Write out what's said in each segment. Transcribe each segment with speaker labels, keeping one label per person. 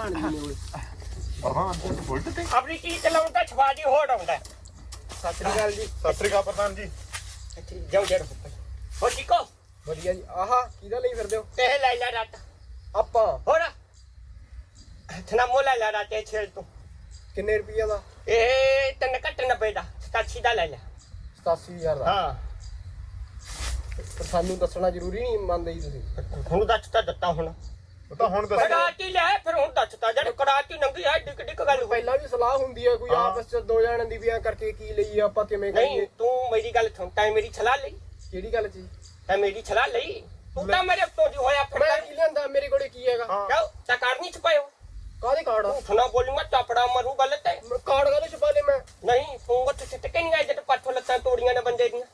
Speaker 1: ਪ੍ਰਧਾਨ ਜੀ ਨੇ ਓਏ
Speaker 2: ਪ੍ਰਧਾਨ ਜੀ ਬੁਲਟ ਤੇ
Speaker 3: ਆਪਣੀ ਚੀਜ਼ ਚਲਾਉਣ ਦਾ ਛਵਾਜੀ ਹੋੜ ਆਉਂਦਾ।
Speaker 1: ਸਤਿ ਸ੍ਰੀ ਅਕਾਲ ਜੀ।
Speaker 2: ਸਤਿ ਸ੍ਰੀ ਅਕਾਲ ਪ੍ਰਧਾਨ ਜੀ।
Speaker 3: ਜਾਓ ਜੜ ਹੋ ਠੀਕੋ
Speaker 1: ਵਧੀਆ ਜੀ। ਆਹਾ ਕਿਹਦਾ ਲਈ ਫਿਰਦੇ ਹੋ?
Speaker 3: ਤੇ ਲੈ ਲੈ ਰਾਤ
Speaker 1: ਆਪਾਂ
Speaker 3: ਹੋਰ ਥਨਾ ਮੋਲਾ ਲੈ ਰਾਤ ਇਹ ਛੇਲ ਤੂੰ
Speaker 1: ਕਿੰਨੇ ਰੁਪਈਆ ਦਾ?
Speaker 3: ਇਹ ਤਨ ਕੱਟ 90 ਦਾ 87 ਦਾ ਲੈ ਲੈ।
Speaker 1: 87000 ਦਾ।
Speaker 3: ਹਾਂ
Speaker 1: ਪਰ ਸਾਨੂੰ ਦੱਸਣਾ ਜ਼ਰੂਰੀ ਨਹੀਂ ਮੰਨਦੇ ਜੀ ਤੁਸੀਂ?
Speaker 3: ਹੁਣ ਦੱਸ ਤਾਂ ਦਿੱਤਾ ਹੁਣ
Speaker 2: ਉਹ ਤਾਂ ਹੁਣ ਦੱਸ
Speaker 3: ਕੜਾਤੀ ਲੈ ਫਿਰ ਹੁਣ ਦੱਸਤਾ ਜਿਹੜੇ ਕੜਾਤੀ ਨੰਗੀ ਆ ਡਿੱਕ ਡਿੱਕ ਗੱਲ ਹੋਈ।
Speaker 1: ਪਹਿਲਾਂ ਵੀ ਸਲਾਹ ਹੁੰਦੀ ਹੈ ਕੋਈ ਆਪਸ ਚ ਦੋ ਜਣਾਂ ਦੀ ਵਿਆਹ ਕਰਕੇ ਕੀ ਲਈਏ ਆਪਾਂ ਕਿਵੇਂ
Speaker 3: ਨਹੀਂ
Speaker 1: ਕਰੀਏ?
Speaker 3: ਤੂੰ ਮੇਰੀ ਗੱਲ ਸੁਣ ਤੈਂ ਮੇਰੀ ਸਲਾਹ ਲਈ
Speaker 1: ਕਿਹੜੀ ਗੱਲ ਜੀ?
Speaker 3: ਤੈਂ ਮੇਰੀ ਸਲਾਹ ਲਈ ਤੂੰ ਤਾਂ ਮੇਰੇ ਤੋਂ ਜੀ ਹੋਇਆ ਫਿਰ
Speaker 1: ਮੈਂ ਕੀ ਲਿਆਂਦਾ? ਮੇਰੇ ਕੋਲੇ ਕੀ ਹੈਗਾ?
Speaker 3: ਜਾਓ ਤਾਂ ਕਰਨੀ ਛਪਾਇਓ
Speaker 1: ਕਾਹਦੇ ਕਾਰਡ?
Speaker 3: ਸੁਣਾ ਬੋਲੂਗਾ ਚਾਪੜਾ ਮਰੂ ਗਲਤ ਹੈ
Speaker 1: ਕਾਰਡ ਕਾਹਦੇ ਛਪਾ ਲਏ ਮੈਂ?
Speaker 3: ਨਹੀਂ ਫੋਂਗ ਤੇ ਸਿੱਟਕੇ ਨਹੀਂ ਆਏ ਜਦ ਪਾਥੋਂ ਲੱਤਾਂ ਤੋੜੀਆਂ ਨੇ ਬੰਦੇ ਦੀਆਂ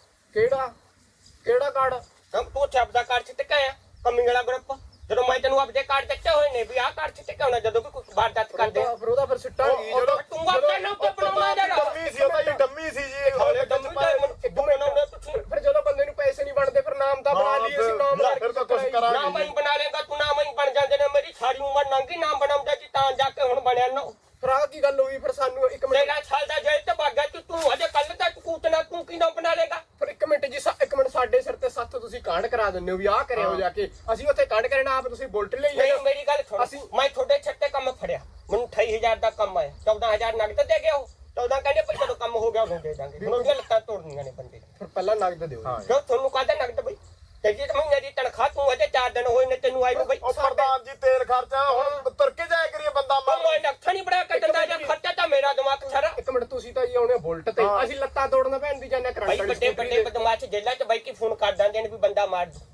Speaker 1: ਕਿਹੜਾ ਕਾਰਡ?
Speaker 3: ਤੂੰ ਛਾਪ ਦਾ ਕਾਰਡ ਸਿੱਟਕੇ ਆਇਆ ਕਮੀ ਵਾਲਾ ਗਰੁੱਪ ਜਦੋਂ ਮੈਂ ਤੈਨੂੰ ਆਪਦੇ ਕਾਰਡ ਦਿੱਤੇ ਹੋਏ ਨੇ ਵੀ ਆਹ ਕਾਰਡ ਸਿੱਟਕੇ ਆਉਣਾ ਜਦੋਂ ਵੀ ਕੋਈ ਵਾਰਦਾਤ ਕਰਦੇ
Speaker 1: ਫਿਰ ਉਹਦਾ ਫਿਰ ਸਿੱਟਾਂਗੇ
Speaker 2: ਜਦੋਂ
Speaker 3: ਤੂੰ ਆਪਣੇ ਨਾਮ ਤੇ ਬਣਾਉਣਾ ਜਰਾ
Speaker 2: ਡੰਮੀ ਸੀ ਉਹ ਤਾਂ ਜੀ ਡੰਮੀ ਸੀ ਜੀ ਇਹ
Speaker 3: ਹਾਲੇ ਡੰਮੀ ਤੇ ਮੈਨੂੰ ਬਣਾਉਣਾ ਤੁਸੀਂ
Speaker 1: ਫਿਰ ਜਦੋਂ ਬੰਦੇ ਨੂੰ ਪੈਸੇ ਨਹੀਂ ਬਣਦੇ ਫਿਰ ਨਾਮ ਤਾਂ ਬਣਾ ਲਈਏ ਅਸੀਂ ਨਾਮ
Speaker 2: ਹਾਂ, ਫਿਰ ਤਾਂ ਕੁਛ ਕਰਾਂਗੇ।
Speaker 3: ਨਾ ਮੈਂ ਬਣਾ ਲੇਗਾ ਤੂੰ ਨਾ ਮੈਂ ਬਣ ਜਾਂਦੇ ਨੇ ਮੇਰੀ ਸਾਰੀ ਉਮਰ ਲੰਘੀ ਨਾਮ ਬਣਾਉਂਦਾ ਜੀ ਤਾਂ ਜਾ ਕੇ ਹੁਣ ਬਣਿਆ ਨਾ
Speaker 1: ਫਿਰ ਆਹ ਕੀ ਗੱਲ ਹੋਈ? ਫਿਰ ਸਾਨੂੰ ਇੱਕ ਮਿੰਟ
Speaker 3: ਮੇਰਾ ਸਾਲ ਦਾ ਜੇਲ੍ਹ ਤੇ ਭਾਗਾ ਤੂੰ ਹਜੇ ਕੱਲ ਤੱਕ ਕੂਤਨਾ ਤੂੰ ਕੀ ਨਾਮ ਬਣਾ ਲੇਗਾ
Speaker 1: ਫਿਰ ਇੱਕ ਮਿੰਟ ਜੀ ਇੱਕ ਮਿੰਟ ਸਾਡੇ ਸਿਰ ਤੇ ਸੱਤ ਤੁਸੀਂ ਕਾਂਡ ਕਰਾ ਦਿੰਦੇ ਹੋ ਵੀ ਆਹ ਕਰਿਓ ਜਾ ਕੇ ਅਸੀਂ ਉੱਥੇ ਕਾਂਡ ਕਰਨਾ ਆਪ ਤੁਸੀਂ ਬੁਲਟ ਲਈ
Speaker 3: ਨਹੀਂ ਮੇਰੀ ਗੱਲ ਸੁਣ ਮੈਂ ਤੁਹਾਡੇ ਛੱਤੇ ਕੰਮ ਫੜਿਆ ਮੈਨੂੰ 28000 ਦਾ ਕੰਮ ਆਇਆ 14000 ਨਗਦ ਦੇ ਗਿਆ ਉਹ 14 ਕਹਿੰਦੇ ਭਾਈ ਜਦੋਂ ਕੰਮ ਹੋ ਗਿਆ ਉਦੋਂ ਦੇ ਦਾਂਗੇ ਹੁਣ ਉਹਦੀਆਂ ਲੱਤਾਂ ਤੋੜਨੀਆਂ ਨੇ ਬੰਦੇ
Speaker 1: ਫਿਰ ਪਹਿਲਾਂ ਨਗਦ ਦਿਓ।
Speaker 3: ਜੋ ਤੁਹਾਨੂੰ ਕਹਦਾ ਨਗਦ ਬਈ ਤੇ ਜੀ ਮਹੀਨੇ ਦੀ ਤਨਖਾਹ ਤੂੰ ਅਜੇ 4 ਦਿਨ ਹੋਏ ਨੇ ਤੈਨੂੰ ਆਈ ਨੂੰ ਬਈ
Speaker 2: ਉਹ ਪ੍ਰਧਾਨ ਜੀ ਤੇਲ ਖਰਚਾ ਹੁਣ ਤੁਰ ਕੇ ਜਾਇਆ ਕਰੀਏ ਬੰਦਾ
Speaker 3: ਉਹ ਮੈਂ ਨੱਖਾ ਨਹੀਂ ਬੜਾ ਕੱਟਦਾ ਜਾਂ ਖਰਚਾ ਤਾਂ ਮੇਰਾ ਦਿਮਾਗ ਸਾਰਾ
Speaker 1: ਇੱਕ ਮਿੰਟ ਤੁਸੀਂ ਤਾਂ ਜੀ ਆਉਣੇ ਬੁਲਟ ਤੇ ਅਸੀਂ ਲੱਤਾਂ ਤੋੜਨ ਭੈਣ ਦੀ ਜਾਂਦੇ ਕਰੰਟ
Speaker 3: ਭਾਈ
Speaker 1: ਵਾਲੀ
Speaker 3: ਵੱਡੇ ਵੱਡੇ ਬਦਮਾਸ਼ ਜੇਲ੍ਹਾਂ 'ਚ ਬਾਈ ਕੀ ਫੋਨ ਕਰ ਦਿੰਦੇ ਨੇ ਵੀ ਬੰਦਾ ਮਾਰ ਦੋ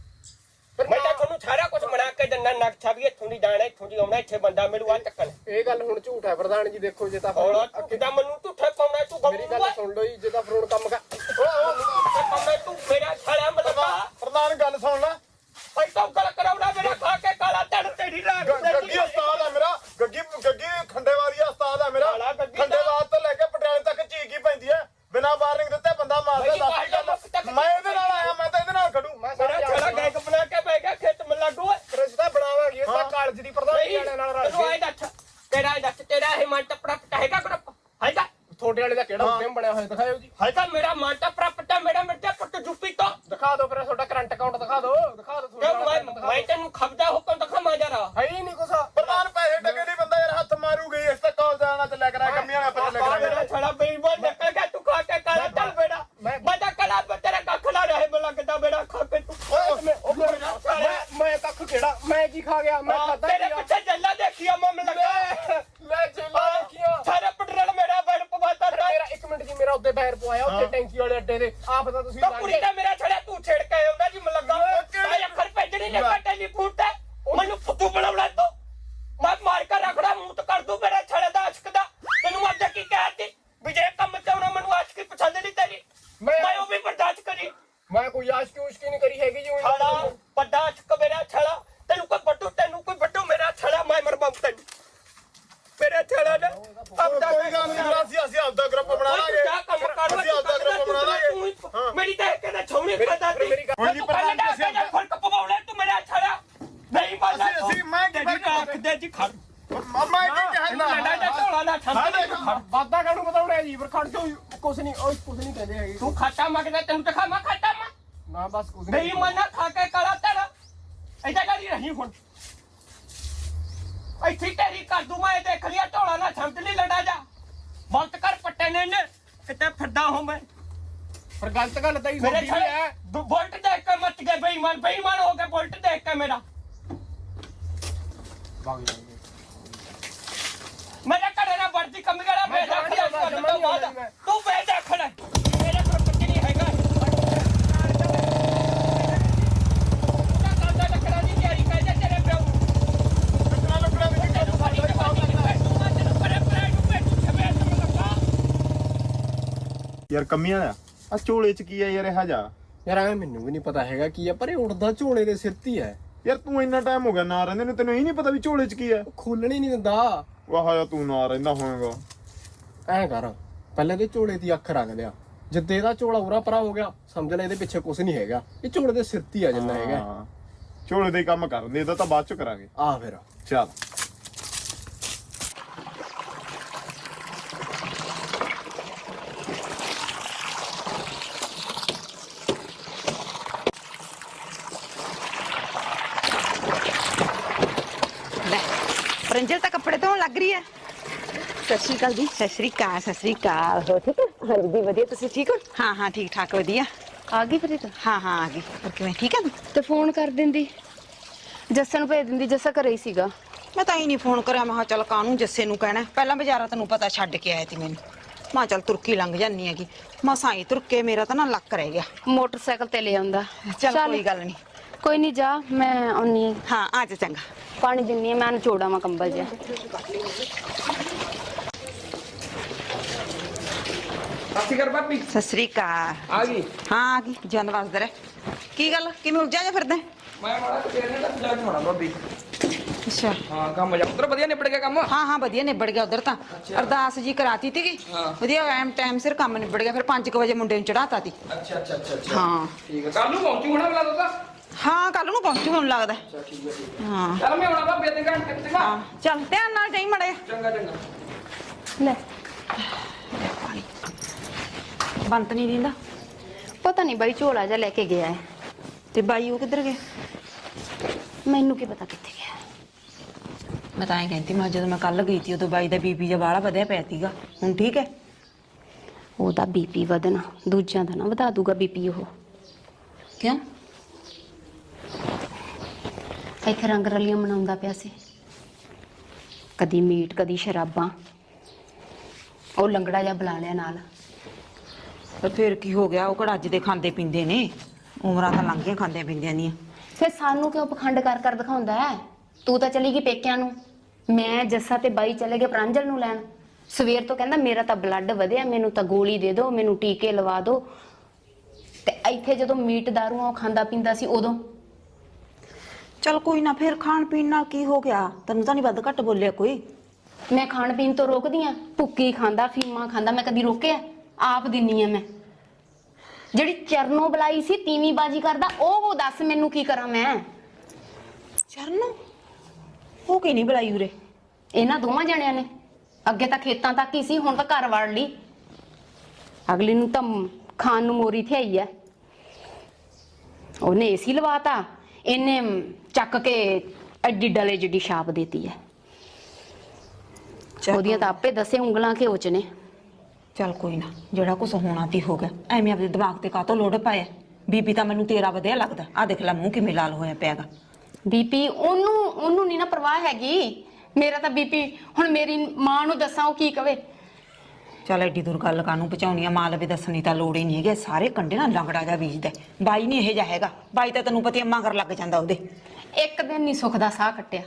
Speaker 3: ਮੈਂ ਤਾਂ ਤੁਹਾਨੂੰ ਸਾਰਾ ਕੁਝ ਬਣਾ ਕੇ ਦਿੰਦਾ ਨਕਸ਼ਾ ਵੀ ਇੱਥੋਂ ਦੀ ਜਾਣਾ ਇੱਥੋਂ ਦੀ ਆਉਣਾ ਇੱਥੇ ਬੰਦਾ ਮਿਲੂ ਆ ਚੱਕਣ
Speaker 1: ਇਹ ਗੱਲ ਹੁਣ ਝੂਠ ਹੈ ਪ੍ਰਧਾਨ ਜੀ। ਦੇਖੋ ਜੇ ਤਾਂ
Speaker 3: ਹੁਣ ਕਿਦਾਂ ਮੈਨੂੰ ਝੂਠੇ ਪਾਉਣਾ ਤੂੰ
Speaker 1: ਮੇਰੀ ਗੱਲ ਸੁਣ ਲਓ ਜੀ ਜੇ ਤਾਂ ਫਰੋਡ ਕੰਮ ਕਰ
Speaker 3: ਪਾਉਣਾ ਤੂੰ ਮੇਰਾ ਛਾਲਿਆ ਮਤਲਬ
Speaker 2: ਪ੍ਰਧਾਨ ਗੱਲ ਸੁਣ ਲੈ
Speaker 3: ਭਾਈ ਤਾਂ ਗੱਲ ਕਰਾਉਣਾ ਮੇਰਾ ਖਾ ਕੇ ਕਾਲਾ ਤੜ ਤੇਰੀ ਰਾਗ
Speaker 2: ਗੱਗੀ ਉਸਤਾਦ ਹੈ ਮੇਰਾ ਗੱਗੀ ਖੰਡੇਵਾਰੀ ਉਸਤਾਦ ਹੈ ਮੇਰਾ
Speaker 3: ਕਾਲਾ ਗੱਗੀ
Speaker 2: ਖੰਡੇਵਾਲ ਤੋਂ ਲੈ ਕੇ ਪਟਿਆਲੇ ਤੱਕ ਝੀਕ ਹੀ ਪੈਂਦੀ ਹੈ ਬਿਨਾਂ ਵਾਰਨਿੰਗ ਦਿੱਤੇ ਬੰਦਾ ਮਾਰਦਾ ਮੈਂ ਇਹਦੇ ਨਾਲ ਆਇਆ ਮੈਂ ਤਾਂ ਇਹਦੇ ਨਾਲ ਖੜੂ
Speaker 3: ਮੇਰਾ ਛਾਲਾ ਗੈਗ ਬਣਾ ਕੇ ਬੈ ਗਿਆ ਖੇਤ ਮ ਲੱਗੂ
Speaker 1: ਰਿਸ਼ਤਾ ਬਣਾਵਾਂਗੇ ਤਾਂ ਕਾਲਜ ਦੀ ਪ੍ਰਧਾਨ ਜੀ ਨਾਲ ਰਲ
Speaker 3: ਤੈਨੂੰ
Speaker 1: ਕੇ।
Speaker 3: ਆਏ ਦੱਸ ਤੇਰਾ ਇਹ ਮਨ ਟੱਪੜਾ ਹੈਗਾ ਗਰੁੱਪ ਹੈਗਾ
Speaker 1: ਤੁਹਾਡੇ ਵਾਲੇ ਦਾ ਕਿਹੜਾ ਹੁਕਮ ਬਣਿਆ ਹੋਇਆ ਦਿਖਾਓ ਜੀ।
Speaker 3: ਹੈਗਾ ਮੇਰਾ ਮਨ ਟੱਪੜਾ ਪੱਟਾ ਮੇਰਾ ਮਿਰਚਾ ਪੁੱਟ ਜੁੱਪੀ ਤੋਂ
Speaker 1: ਦਿਖਾ ਦਿਓ ਫਿਰ ਤੁਹਾਡਾ ਕਰੰਟ ਅਕਾਊਂਟ ਦਿਖਾ ਦਿਓ
Speaker 3: ਮੈਂ ਤੈਨੂੰ ਖਬਦਾ ਹੁਕਮ ਦਿਖਾਵਾਂ ਜਰਾ
Speaker 1: ਹੈ ਹੀ ਨਹੀਂ ਕੁਛ।
Speaker 2: ਪ੍ਰਧਾਨ ਪੈਸੇ ਟਕੇ ਨਹੀਂ ਬੰਦਾ ਯਾਰ ਹੱਥ ਮਾਰੂਗੀ ਇਸ ਤੇ ਕਾਲ ਜਾਣਾ ਚੱਲਿਆ ਕਰਾਂ ਕੰਮੀਆਂ ਨਾਲ ਪਤਾ
Speaker 3: ਮੇਰਾ
Speaker 2: ਲੱਗਣਾ
Speaker 3: ਛੜਾ ਬੇਈਮਾਨ ਨਿਕਲ ਗਿਆ ਤੂੰ ਖਾ ਕੇ ਕਾਲਾ ਚੱਲ ਬੇੜਾ ਮੈਂ ਤਾਂ ਕਲਾ ਤੇਰਾ ਕੱਖ ਨਾ ਰਹੇ ਮੈਨੂੰ ਲੱਗਦਾ ਬੇੜਾ ਖਾ ਕੇ ਤੂੰ
Speaker 1: ਮੈਂ ਕੱਖ ਕਿਹੜਾ ਮੈਂ ਕੀ ਖਾ ਗਿਆ? ਮੈਂ ਖਾਦਾ
Speaker 3: ਤੇਰੇ ਪਿੱਛੇ ਜੱਲਾ ਦੇਖਿਆ ਮਮ ਲੱਗਾ
Speaker 1: ਲੈ ਜੇਲਾ ਦੇਖਿਆ
Speaker 3: ਸਾਰੇ ਪਟਰਲ ਮੇਰਾ ਬੜ ਪਵਾਤਾ
Speaker 1: ਮੇਰਾ ਇੱਕ ਮਿੰਟ ਜੀ ਮੇਰਾ ਉੱਤੇ ਪੈਰ ਪਵਾਇਆ ਉੱਥੇ ਟੈਂਕੀ ਵਾਲੇ ਅੱਡੇ ਦੇ ਆਪ ਤਾਂ ਤੁਸੀਂ
Speaker 3: ਤਾਂ ਕੁੜੀ ਦਾ ਮੇਰਾ ਛੜਾ ਤੂੰ ਛੇੜ ਕੇ ਆਉਂਦਾ ਜੀ ਮੈਨੂੰ ਲੱਗਾ ਸਾਇਆ ਅੱਖਰ ਭੇਜਣੀ ਨੇ ਟੈਲੀਫੋਨ ਤੇ ਮੈਨੂੰ ਫੁੱਟੂ ਬਣਾਉਣਾ ਤੂੰ ਮੈਂ ਮਾਰ ਕੇ ਰਖੜਾ ਮੂੰਹ ਤੇ ਕਰ ਦੂੰ ਮੇਰੇ ਛੜੇ ਦਾ ਆਸ਼ਕ ਦਾ ਤੈਨੂੰ ਮੈਂ ਕੀ ਕਹਿਤੀ ਵੀ ਜੇ ਕੰਮ ਚਾਉਣਾ ਮੈਨੂੰ ਆਸ਼ਕੀ ਪਸੰਦ ਨਹੀਂ ਤੇਰੀ ਮੈਂ ਉਹ ਵੀ ਬਰਦਾਸ਼ਤ ਕਰੀ
Speaker 1: ਮੈਂ ਕੋਈ ਆਸ਼ਕੀ ਉਸ਼ਕੀ ਨਹੀਂ ਕਰੀ ਹੈਗੀ ਜੀ
Speaker 3: ਛੜਾ ਵੱਡਾ ਆਸ਼ਕ ਮੇਰਾ ਛੜਾ ਤੈਨੂੰ ਕੋਈ ਵੱਡੂ ਮੇਰਾ ਛੜਾ ਮੈਂ ਮਰਵਾਉਂ ਤੈਨੂੰ ਮੇਰੇ ਛੜਾ ਨੇ ਆਪਦਾ
Speaker 2: ਕੋਈ ਗੱਲ ਨਹੀਂ ਅਸੀਂ ਆਪਦਾ ਗਰੁੱਪ ਬਣਾ ਲਾਂਗੇ ਅਸੀਂ ਆਪਦਾ ਗਰੁੱਪ ਬਣਾ ਲਾਂਗੇ
Speaker 3: ਮੇਰੀ ਤਾਂ ਕਹਿੰਦਾ ਛੌਣੀ ਖਾਦਾ ਤੀ
Speaker 2: ਹੁਣ ਜੀ ਪ੍ਰਧਾਨ ਜੀ ਅਸੀਂ
Speaker 3: ਫਰਕ ਪਵਾਉਣਾ ਤੂੰ ਮੇਰਾ ਛੜਾ ਨਹੀਂ ਮਾਲਾ
Speaker 2: ਅਸੀਂ ਮੈਂ ਕੀ
Speaker 3: ਰੱਖ ਦੇ ਜੀ ਖੜ
Speaker 2: ਮਾਮਾ ਇਹ
Speaker 3: ਲੜਾ
Speaker 2: ਕਹਿੰਦਾ
Speaker 3: ਦਾ ਢੋਲਾ ਨਾ ਛੱਡ
Speaker 1: ਵਾਦਾ ਕਾਹਨੂੰ ਬਤਾਉਣਾ ਜੀ ਫਿਰ ਖੜ ਜਾਓ ਕੁਛ ਨਹੀਂ ਕਹਿੰਦੇ ਹੈਗੇ
Speaker 3: ਤੂੰ ਖਾਤਾ ਮੰਗਦਾ ਤੈਨੂੰ ਤਾਂ ਖਾਵਾਂ ਖਾਤਾ ਮੈਂ
Speaker 1: ਨਾ ਬਸ ਕੁਛ
Speaker 3: ਨਹੀਂ ਮਨਾ ਖਾ ਕੇ ਕਾਲਾ ਤੇਰਾ ਐਡਾ ਕਰੀ ਰਹੀ ਹੁਣ ਇੱਥੇ ਤੇਰੀ ਕਰ ਦੂੰ ਮੈਂ ਦੇਖ ਲਿਆ ਢੋਲਾ ਨਾ ਛੱਡ ਲਈ ਲੜਾ ਜਾ ਬੰਦ ਕਰ ਪੱਟੇ ਨੇ ਕਿਤੇ ਫਿਰਦਾ ਹਾਂ ਮੈਂ
Speaker 1: ਪਰ ਗਲਤ ਗੱਲ ਤਾਂ ਹੀ
Speaker 3: ਮੇਰੇ
Speaker 1: ਹੁੰਦੀ ਹੈ।
Speaker 3: ਬੁਲਟ ਦੇਖ ਕੇ ਮੱਚ ਗਏ ਬੇਈਮਾਨ ਹੋ ਕੇ ਬੁਲਟ ਦੇਖ ਕੇ ਮੇਰਾ ਮੇਰੇ ਘਰੇ ਨਾ ਵਰਦੀ ਕਮੀ ਵਾਲਾ ਮੈਂ ਰੱਖ ਲਿਆ ਤੂੰ ਵੇ ਦੇਖ ਲੈ ਮੇਰੇ ਕੋਲ ਕੁਝ ਨਹੀਂ ਹੈਗਾ ਉਹਦਾ ਕਾਂਦਾ ਟਕਰਾ ਦੀ ਤਿਆਰੀ ਕਰ ਜਾ ਤੇਰੇ ਪਿਓ
Speaker 2: ਲੱਕੜਾਂ ਵਿੱਚ
Speaker 3: ਤੈਨੂੰ ਫੜੀ ਤੇ ਬਾਕੀ ਨਹੀਂ ਪੈ ਤੂੰ ਮੈਂ ਤੈਨੂੰ ਪਰੇ ਨੂੰ ਭੇਜੂ ਛਵੇ ਤੈਨੂੰ ਲੱਗਾ
Speaker 2: ਯਾਰ ਕੰਮੀਆਂ ਆ ਝੋਲੇ ਚ ਕੀ ਆ ਯਾਰ ਇਹ ਜਾ
Speaker 1: ਯਾਰ ਐ ਮੈਨੂੰ ਵੀ ਨਹੀਂ ਪਤਾ ਹੈਗਾ ਕੀ ਆ ਪਰ ਇਹ ਉੜਦਾ ਝੋਲੇ ਦੇ ਸਿਰ ਤੇ ਹੈ
Speaker 2: ਯਾਰ ਤੂੰ ਇੰਨਾ ਟਾਈਮ ਹੋ ਗਿਆ ਨਾ ਰਹਿੰਦੇ ਨੂੰ ਤੈਨੂੰ ਇਹ ਨਹੀਂ ਪਤਾ ਵੀ ਝੋਲੇ ਚ ਕੀ ਆ
Speaker 1: ਖੋਲਣ ਹੀ ਨਹੀਂ ਦਿੰਦਾ।
Speaker 2: ਵਾਹ ਯਾ ਤੂੰ ਨਾ ਰਹਿੰਦਾ ਹੋਵੇਗਾ
Speaker 1: ਐ ਕਰ ਪਹਿਲਾਂ ਦੇ ਝੋਲੇ ਦੀ ਅੱਖ ਰੱਖ ਲਿਆ ਜਿੱਦੇ ਇਹਦਾ ਝੋਲਾ ਉਰਾ ਪਰਾ ਹੋ ਗਿਆ ਸਮਝ ਲੈ ਇਹਦੇ ਪਿੱਛੇ ਕੁਝ ਨਹੀਂ ਹੈਗਾ ਇਹ ਝੋਲੇ ਦੇ ਸਿਰ ਤੇ ਆ ਜਿੰਨਾ ਹੈਗਾ
Speaker 2: ਝੋਲੇ ਦੇ ਕੰਮ ਕਰਨ ਦੇ ਇਹਦਾ ਤਾਂ ਬਾਅਦ ਚ ਕਰਾਂਗੇ
Speaker 1: ਆ ਫਿਰ
Speaker 2: ਚੱਲ
Speaker 4: ਪ੍ਰਿੰਜਲ ਤਾਂ ਕੱਪੜੇ ਧੋਣ ਲੱਗ ਰਹੀ ਹੈ। ਸਤਿ ਸ਼੍ਰੀ ਅਕਾਲ ਜੀ। ਸਤਿ ਸ਼੍ਰੀ ਅਕਾਲ, ਸਤਿ ਸ਼੍ਰੀ ਅਕਾਲ। ਹੋ ਠੀਕ ਹੈ?
Speaker 5: ਹਾਂਜੀ ਦੀ ਵਧੀਆ, ਤੁਸੀਂ ਠੀਕ ਹੋ?
Speaker 4: ਹਾਂ ਹਾਂ ਠੀਕ ਠਾਕ ਵਧੀਆ।
Speaker 5: ਆ ਗਈ ਫਿਰ ਤਾਂ।
Speaker 4: ਹਾਂ ਹਾਂ ਆ ਗਈ। ਹੋਰ ਕਿਵੇਂ ਠੀਕ ਹੈ ਤੂੰ?
Speaker 5: ਤੇ ਫੋਨ ਕਰ ਦਿੰਦੀ, ਜੱਸਾ ਨੂੰ ਭੇਜ ਦਿੰਦੀ, ਜੱਸਾ ਘਰੇ ਹੀ ਸੀਗਾ।
Speaker 4: ਮੈਂ ਤਾਂ ਹੀ ਨਹੀਂ ਫੋਨ ਕਰਿਆ। ਮੈਂ ਕਿਹਾ ਚੱਲ ਕਾਹਨੂੰ ਜੱਸੇ ਨੂੰ ਕਹਿਣਾ। ਪਹਿਲਾਂ ਬਾਜ਼ਾਰਾਂ ਤੈਨੂੰ ਪਤਾ ਛੱਡ ਕੇ ਆਇਆ ਤੀ ਮੈਨੂੰ। ਮੈਂ ਕਿਹਾ ਚੱਲ ਤੁਰਕੀ ਲੰਘ ਜਾਂਦੀ ਹੈਗੀ। ਮਸਾਂ ਹੀ ਤੁਰ ਕੇ ਮੇਰਾ ਤਾਂ ਨਾ ਲੱਕ ਰਹਿ ਗਿਆ।
Speaker 5: ਮੋਟਰਸਾਈਕਲ ਤੇ ਲੈ ਆਉਂਦਾ।
Speaker 4: ਚੱਲ ਕੋਈ ਗੱਲ ਨਹੀਂ।
Speaker 5: ਕੋਈ ਨਹੀਂ, ਜਾ ਮੈਂ ਆਉਣੀ ਆ।
Speaker 4: ਹਾਂ ਆ ਜਾ ਚੰਗਾ।
Speaker 5: ਪਾਣੀ ਦਿੰਨੀ ਆ ਮੈਂ, ਨਿਚੋੜਾ ਮੈਂ ਕੰਬਲ ਜਿਹਾ।
Speaker 6: ਸਤਿ ਸ਼੍ਰੀ ਅਕਾਲ ਭਾਬੀ।
Speaker 4: ਸਤਿ ਸ਼੍ਰੀ ਅਕਾਲ।
Speaker 6: ਆ ਗਈ।
Speaker 4: ਹਾਂ ਆ ਗਈ। ਜਨ ਵਸਦਾ ਰਹਿ। ਕੀ ਗੱਲ ਕਿਵੇਂ ਉਲਝਿਆ ਜਾ ਫਿਰਦਾ?
Speaker 6: ਮੈਂ ਮਾੜਾ ਤੇਰੇ ਨਾਲ ਜਾ ਕੇ ਹੋਣਾ ਭਾਬੀ।
Speaker 4: ਅੱਛਾ
Speaker 6: ਹਾਂ ਕੰਮ ਜਾ ਉਧਰ ਵਧੀਆ ਨਿਬੜ ਗਿਆ ਕੰਮ।
Speaker 4: ਹਾਂ ਹਾਂ ਵਧੀਆ ਨਿਬੜ ਗਿਆ ਉਧਰ ਤਾਂ। ਅਰਦਾਸ ਜੀ ਕਰਾਤੀ ਤੀਗੀ।
Speaker 6: ਹਾਂ।
Speaker 4: ਵਧੀਆ ਟਾਈਮ ਸਿਰ ਕੰਮ ਨਿਬੜ ਗਿਆ। ਫਿਰ 5 ਵਜੇ ਮੁੰਡੇ ਨੂੰ ਚੜਾਤਾ ਤੀ।
Speaker 6: ਅੱਛਾ
Speaker 4: ਹਾਂ
Speaker 6: ਠੀਕ ਹੈ। ਕੱਲ ਨੂੰ ਪਹੁੰਚੂ ਹੋਣਾ ਬਲਾ ਦੋ।
Speaker 4: ਹਾਂ ਕੱਲ ਨੂੰ ਪਹੁੰਚੂ ਮੈਨੂੰ ਲੱਗਦਾ।
Speaker 6: ਅੱਛਾ ਠੀਕ ਹੈ।
Speaker 4: ਹਾਂ
Speaker 6: ਚੱਲ ਮੈਂ ਆਉਣਾ ਭਾਬੀ ਤੇ ਘੰਟੇ ਤੱਕ।
Speaker 4: ਹਾਂ ਚੱਲ ਧਿਆਨ ਨਾਲ ਜਾਈ ਮੜੇ।
Speaker 6: ਚੰਗਾ ਚੰਗਾ।
Speaker 5: ਲੈ
Speaker 4: ਬੰਤ ਨਹੀਂ ਦਿੰਦਾ।
Speaker 5: ਪਤਾ ਨਹੀਂ ਬਾਈ, ਝੋਲਾ ਜਿਹਾ ਲੈ ਕੇ ਗਿਆ ਹੈ।
Speaker 4: ਤੇ ਬਾਈ ਉਹ ਕਿੱਧਰ ਗਏ?
Speaker 5: ਮੈਨੂੰ ਕੀ ਪਤਾ ਕਿੱਥੇ ਗਿਆ।
Speaker 4: ਮੈਂ ਤਾਂ ਐਂ ਕਹਿੰਦੀ ਮੈਂ ਜਦੋਂ ਮੈਂ ਕੱਲ ਗਈ ਸੀ ਉਦੋਂ ਬਾਈ ਦਾ ਬੀਪੀ ਜਿਹਾ ਬਾਹਲਾ ਵਧਿਆ ਪਿਆ ਸੀਗਾ। ਹੁਣ ਠੀਕ ਹੈ?
Speaker 5: ਉਹਦਾ ਬੀਪੀ ਵਧਣਾ, ਦੂਜਿਆਂ ਦਾ ਨਾ ਵਧਾ ਦੂਗਾ ਬੀਪੀ ਉਹ।
Speaker 4: ਕਿਉਂ?
Speaker 5: ਇੱਥੇ ਰੰਗ ਰਲੀਆਂ ਮਨਾਉਂਦਾ ਪਿਆ ਸੀ, ਕਦੀ ਮੀਟ ਕਦੀ ਸ਼ਰਾਬਾਂ। ਉਹ ਲੰਗੜਾ ਜਿਹਾ ਬੁਲਾ ਲਿਆ ਨਾਲ।
Speaker 4: ਤੇ ਫਿਰ ਕੀ ਹੋ ਗਿਆ? ਉਹ ਕਿਹੜਾ ਅੱਜ ਦੇ ਖਾਂਦੇ ਪੀਂਦੇ ਨੇ। ਉਮਰਾਂ ਤਾਂ ਲੰਘ ਗਈਆਂ ਖਾਂਦੇ ਪੀਂਦਿਆਂ ਦੀਆਂ।
Speaker 5: ਫਿਰ ਸਾਨੂੰ ਕਿਉਂ ਪਖੰਡ ਕਰ ਕਰ ਦਿਖਾਉਂਦਾ ਹੈ? ਤੂੰ ਤਾਂ ਚਲੀ ਗਈ ਪੇਕਿਆਂ ਨੂੰ, ਮੈਂ ਜੱਸਾ ਤੇ ਬਾਈ ਚਲੇ ਗਏ ਪ੍ਰਾਂਜਲ ਨੂੰ ਲੈਣ। ਸਵੇਰ ਤੋਂ ਕਹਿੰਦਾ ਮੇਰਾ ਤਾਂ ਬਲੱਡ ਵਧਿਆ, ਮੈਨੂੰ ਤਾਂ ਗੋਲੀ ਦੇ ਦਿਓ, ਮੈਨੂੰ ਟੀਕੇ ਲਵਾ ਦਿਓ। ਤੇ ਇੱਥੇ ਜਦੋਂ ਮੀਟ ਦਾਰੂ ਉਹ ਖਾਂਦਾ ਪੀਂਦਾ ਸੀ ਉਦੋਂ।
Speaker 4: ਚਲ ਕੋਈ ਨਾ, ਫਿਰ ਖਾਣ ਪੀਣ ਨਾਲ ਕੀ ਹੋ ਗਿਆ? ਤੈਨੂੰ ਤਾਂ ਨਹੀਂ ਵੱਧ ਘੱਟ ਬੋਲਿਆ ਕੋਈ?
Speaker 5: ਮੈਂ ਖਾਣ ਪੀਣ ਤੋਂ ਰੋਕਦੀ ਆ? ਭੁੱਕੀ ਖਾਂਦਾ, ਫੀਮਾ ਖਾਂਦਾ, ਮੈਂ ਕਦੀ ਰੋਕਿਆ? ਆਪ ਦਿੰਨੀ ਆ ਮੈਂ। ਜਿਹੜੀ ਚਰਨੋਂ ਬੁਲਾਈ ਸੀ ਤੀਵੀਂ ਬਾਜੀ ਕਰਦਾ, ਉਹ ਦੱਸ ਮੈਨੂੰ ਕੀ ਕਰਾਂ ਮੈਂ?
Speaker 4: ਚਰਨ ਉਹ ਕੀ ਨਹੀਂ ਬੁਲਾਈ ਉਰੇ?
Speaker 5: ਇਹਨਾਂ ਦੋਵਾਂ ਜਣਿਆਂ ਨੇ। ਅੱਗੇ ਤਾਂ ਖੇਤਾਂ ਤੱਕ ਹੀ ਸੀ, ਹੁਣ ਤਾਂ ਘਰ ਵੜ ਲਈ। ਅਗਲੀ ਨੂੰ ਤਾਂ ਖਾਣ ਨੂੰ ਮੋਰੀ ਤੇ ਆਈ ਐ। ਉਹਨੇ ਏਸੀ ਲਵਾਤਾ, ਇਹਨੇ ਚੱਕ ਕੇ ਐਡੀ ਡਲੇ ਜਿੱਡੀ ਛਾਪ ਦੇਤੀ ਐ। ਉਹਦੀਆਂ ਤਾਂ ਆਪੇ ਦੱਸੇ ਉਂਗਲਾਂ ਘਿਓ ਚ ਨੇ।
Speaker 4: ਚੱਲ ਕੋਈ ਨਾ, ਜਿਹੜਾ ਕੁਛ ਹੋਣਾ ਤੀ ਹੋ ਗਿਆ। ਐਵੇਂ ਆਪਣੇ ਦਿਮਾਗ ਤੇ ਕਾਹਤੋਂ ਲੋੜ ਪਾਇਆ? ਬੀਬੀ ਤਾਂ ਮੈਨੂੰ ਤੇਰਾ ਵਧਿਆ ਲੱਗਦਾ। ਆ ਦੇਖ ਲੈ ਮੂੰਹ ਕਿਵੇਂ ਲਾਲ ਹੋਇਆ ਪਿਆਗਾ।
Speaker 5: ਬੀਪੀ ਉਹਨੂੰ ਨਹੀਂ ਨਾ ਪਰਵਾਹ ਹੈਗੀ। ਮੇਰਾ ਤਾਂ ਬੀਪੀ, ਹੁਣ ਮੇਰੀ ਮਾਂ ਨੂੰ ਦੱਸਾਂ ਉਹ ਕੀ ਕਵੇ?
Speaker 4: ਚੱਲ ਐਡੀ ਦੂਰ ਗੱਲ ਕਾਹਨੂੰ ਪਹੁੰਚਾਉਣੀ ਆ? ਮਾਂ ਲਵੇ ਦੱਸਣੀ ਤਾਂ ਲੋੜ ਹੀ ਨਹੀਂ ਹੈਗੀ। ਸਾਰੇ ਕੰਡੇ ਨਾਲ ਲੰਗੜਾ ਜਾ ਬੀਜਦਾ। ਬਾਈ ਨਹੀਂ ਇਹੋ ਜਿਹਾ ਹੈਗਾ। ਬਾਈ ਤਾਂ ਤੈਨੂੰ ਪਤੀ ਅੰਮਾ ਕਰ ਲੱਗ ਜਾਂਦਾ ਉਹਦੇ।
Speaker 5: ਇੱਕ ਦਿਨ ਨਹੀਂ ਸੁੱਖ ਦਾ ਸਾਹ ਕੱਟਿਆ।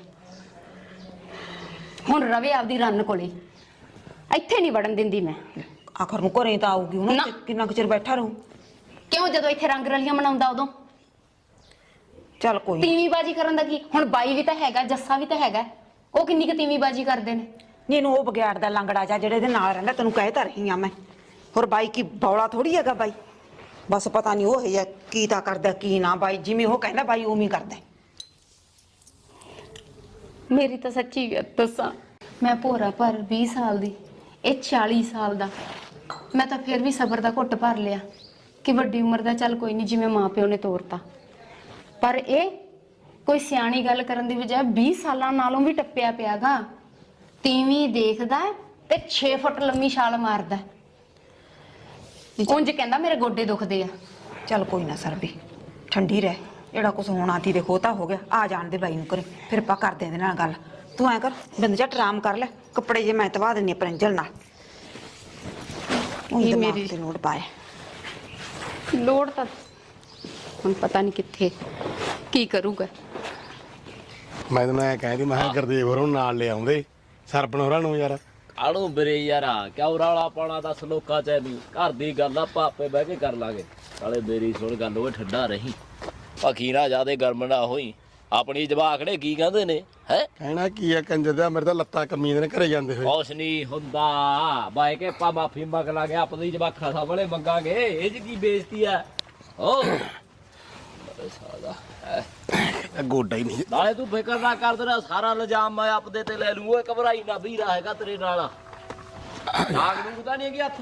Speaker 5: ਹੁਣ ਰਵੇ ਆਪਦੀ ਰੰਨ ਕੋਲੇ, ਇੱਥੇ ਨਹੀਂ ਵੜਨ ਦਿੰਦੀ ਮੈਂ।
Speaker 4: ਆਖਰ ਨੂੰ ਘਰੇ ਤਾਂ ਆਊਗੀ ਹੁਣ।
Speaker 5: ਨਾ।
Speaker 4: ਕਿੰਨਾ ਕੁ ਚਿਰ ਬੈਠਾ ਰਹੂ?
Speaker 5: ਕਿਉਂ? ਜਦੋਂ ਇੱਥੇ ਰੰਗ ਰਲੀਆਂ ਮਨਾਉਂਦਾ ਉਦੋਂ।
Speaker 4: ਚੱਲ ਕੋਈ ਨਾ।
Speaker 5: ਤੀਵੀਂ ਬਾਜੀ ਕਰਨ ਦਾ ਕੀ? ਹੁਣ ਬਾਈ ਵੀ ਤਾਂ ਹੈਗਾ, ਜੱਸਾ ਵੀ ਤਾਂ ਹੈਗਾ। ਉਹ ਕਿੰਨੀ ਕੁ ਤੀਵੀਂ ਬਾਜੀ ਕਰਦੇ ਨੇ।
Speaker 4: ਨਹੀਂ ਇਹਨੂੰ ਉਹ ਬਗਿਆੜ ਦਾ ਲੰਗੜਾ ਜਾ ਜਿਹੜੇ ਇਹਦੇ ਨਾਲ ਰਹਿੰਦਾ, ਤੈਨੂੰ ਕਹਿ ਤਾਂ ਰਹੀ ਆ ਮੈਂ। ਹੋਰ ਬਾਈ ਕੀ ਬੌਲਾ ਥੋੜੀ ਹੈਗਾ ਬਾਈ। ਬਸ ਪਤਾ ਨਹੀਂ ਉਹ ਹੈ ਕੀ ਤਾਂ ਕਰਦਾ ਕੀ ਨਾ। ਬਾਈ ਜਿਵੇਂ ਉਹ ਕਹਿੰਦਾ ਬਾਈ ਉਵੇਂ ਹੀ ਕਰਦਾ।
Speaker 5: ਮੇਰੀ ਤਾਂ ਸੱਚੀ ਦੱਸਾਂ, ਮੈਂ ਭੋਰਾ ਪਰ 20 ਸਾਲ ਦੀ, ਇਹ 40 ਸਾਲ ਦਾ। ਮੈਂ ਤਾਂ ਫਿਰ ਵੀ ਸਬਰ ਦਾ ਘੁੱਟ ਭਰ ਲਿਆ ਕਿ ਵੱਡੀ ਉਮਰ ਦਾ ਚੱਲ ਕੋਈ ਨਹੀਂ, ਜਿਵੇਂ ਮਾਂ ਪਿਓ ਨੇ ਤੋਰਤਾ। ਪਰ ਇਹ ਕੋਈ ਸਿਆਣੀ ਗੱਲ ਕਰਨ ਦੀ ਬਜਾਏ 20 ਸਾਲਾਂ ਨਾਲੋਂ ਵੀ ਟੱਪਿਆ ਪਿਆਗਾ। ਤੀਵੀਂ ਦੇਖਦਾ ਤੇ 6 ਫੁੱਟ ਲੰਮੀ ਛਾਲ ਮਾਰਦਾ। ਉਂਝ ਕਹਿੰਦਾ ਮੇਰੇ ਗੋਡੇ ਦੁਖਦੇ ਆ।
Speaker 4: ਚੱਲ ਕੋਈ ਨਾ ਸਰਬੀ, ਠੰਡੀ ਰਹਿ। ਜਿਹੜਾ ਕੁਛ ਹੋਣਾ ਤੀ ਦੇਖੋ ਤਾਂ ਹੋ ਗਿਆ। ਆ ਜਾਣ ਦੇ ਬਾਈ ਨੂੰ ਘਰੇ, ਫਿਰ ਆਪਾਂ ਕਰਦੇ ਇਹਦੇ ਨਾਲ ਗੱਲ। ਤੂੰ ਐ ਕਰ, ਬਿੰਦ ਝੱਟ ਆਰਾਮ ਕਰ ਲੈ। ਕੱਪੜੇ ਜੇ ਮੈਂ ਧਵਾ ਦਿੰਨੀ ਆ ਪ੍ਰਿੰਜਲ ਨਾਲ। ਉਹੀ
Speaker 5: ਮੇਰੀ-
Speaker 4: ਮੇਰੀ ਲੋੜ ਪਾਏ।
Speaker 5: ਲੋੜ ਤਾਂ ਹੁਣ ਪਤਾ ਨਹੀਂ ਕਿੱਥੇ ਕੀ ਕਰੂਗਾ।
Speaker 2: ਮੈਂ ਤੈਨੂੰ ਐ ਕਹਿੰਦੀ, ਮੈਂ ਕਿਹਾ ਗੁਰਦੇਵ ਹੋਰਾਂ ਨੂੰ ਨਾਲ ਲੈ ਆਉਂਦੇ, ਸਰਪਣ ਹੋਰਾਂ ਨੂੰ ਯਾਰ।
Speaker 7: ਕਾਹਨੂੰ ਵੀਰੇ ਯਾਰਾ, ਕਿਉਂ ਰੌਲਾ ਪਾਉਣਾ? ਦੱਸ ਲੋਕਾਂ ਚ ਨਹੀਂ। ਘਰ ਦੀ ਗੱਲ ਆਪਾਂ ਆਪੇ ਬਹਿ ਕੇ ਕਰ ਲਾਂਗੇ। ਨਾਲੇ ਮੇਰੀ ਸੁਣ ਗੱਲ, ਓਏ ਠੰਡਾ ਰਹੀਂ, ਪੱਖੀ ਨਾ ਜਿਆਦੇ ਗਰਮ ਨਾ ਹੋਈ। ਆਪਣੀ ਜਵਾਕੜੇ ਕੀ ਕਹਿੰਦੇ ਨੇ ਹੈ?
Speaker 2: ਕਹਿਣਾ ਕੀ ਆ ਕੰਜਰ ਦਾ, ਮੇਰੇ ਤਾਂ ਲੱਤਾਂ ਕੰਮੀਆਂ ਨੇ ਘਰੇ ਜਾਂਦੇ ਹੋਏ।
Speaker 7: ਕੁਛ ਨਹੀਂ ਹੁੰਦਾ, ਬਾਈ ਕੇ ਆਪਾਂ ਮਾਫੀ ਮੰਗ ਲਾਂਗੇ। ਆਪਣੀ ਜਵਾਕਾਂ ਸਾਹਮਣੇ ਮੰਗਾਂਗੇ। ਇਹ ਚ ਕੀ ਬੇਇੱਜ਼ਤੀ ਆ? ਓ ਸਾਦਾ
Speaker 2: ਗੋਡਾ ਹੀ ਨਹੀਂ।
Speaker 7: ਨਾਲੇ ਤੂੰ ਫਿਕਰ ਨਾ ਕਰ, ਤੇਰਾ ਸਾਰਾ ਇਲਜ਼ਾਮ ਮੈਂ ਆਪਦੇ ਤੇ ਲੈ ਲੂੰ। ਓਏ ਘਬਰਾਈ ਨਾ, ਵੀਰਾ ਹੈਗਾ ਤੇਰੇ ਨਾਲ। ਆਗ ਨੂੰ ਤਾਂ ਨਹੀਂ ਹੈਗੀ ਹੱਥ